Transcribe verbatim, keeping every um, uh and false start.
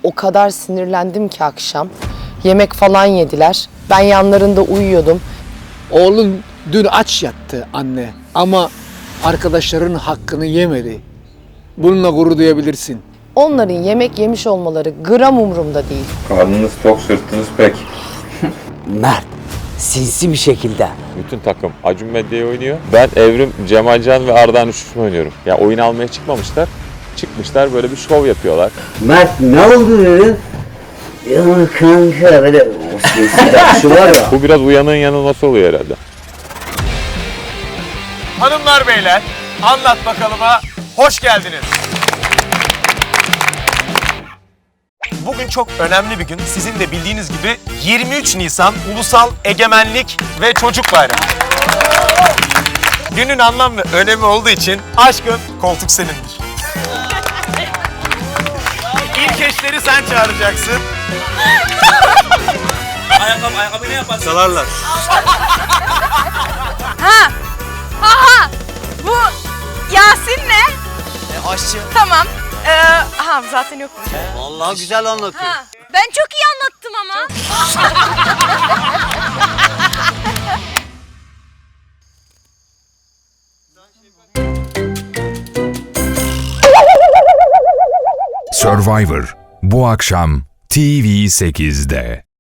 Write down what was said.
O kadar sinirlendim ki akşam. Yemek falan yediler. Ben yanlarında uyuyordum. Oğlun dün aç yattı anne ama arkadaşlarının hakkını yemedi. Bununla gurur duyabilirsin. Onların yemek yemiş olmaları gram umurumda değil. Karnınız tok, sırtınız pek. Mert, sinsi bir şekilde. Bütün takım Acun Medya'yı oynuyor. Ben Evrim, Cemalcan ve Ardahan üçlüsünü oynuyorum. Ya oyun almaya çıkmamışlar. Çıkmışlar böyle bir şov yapıyorlar. Mert ne oldu dedi? Ya kanka böyle o sinsi bakışı var ya. Bu biraz uyanığın yanılması oluyor herhalde. Hanımlar beyler, Anlat Bakalıma hoş geldiniz. Bugün çok önemli bir gün. Sizin de bildiğiniz gibi yirmi üç Nisan Ulusal Egemenlik ve Çocuk Bayramı. Günün anlam ve önemi olduğu için aşkım koltuk senindir. İlk eşleri sen çağıracaksın. Ayakkabı, ayakkabı ne yaparsın? Çalarlar. Ha! Aha! Bu Yasin ne? E, aşçı. Tamam. Ee, aha zaten yok mu? Vallahi güzel anlatıyor. Ha. Ben çok iyi anlattım ama. Survivor bu akşam T V sekizde.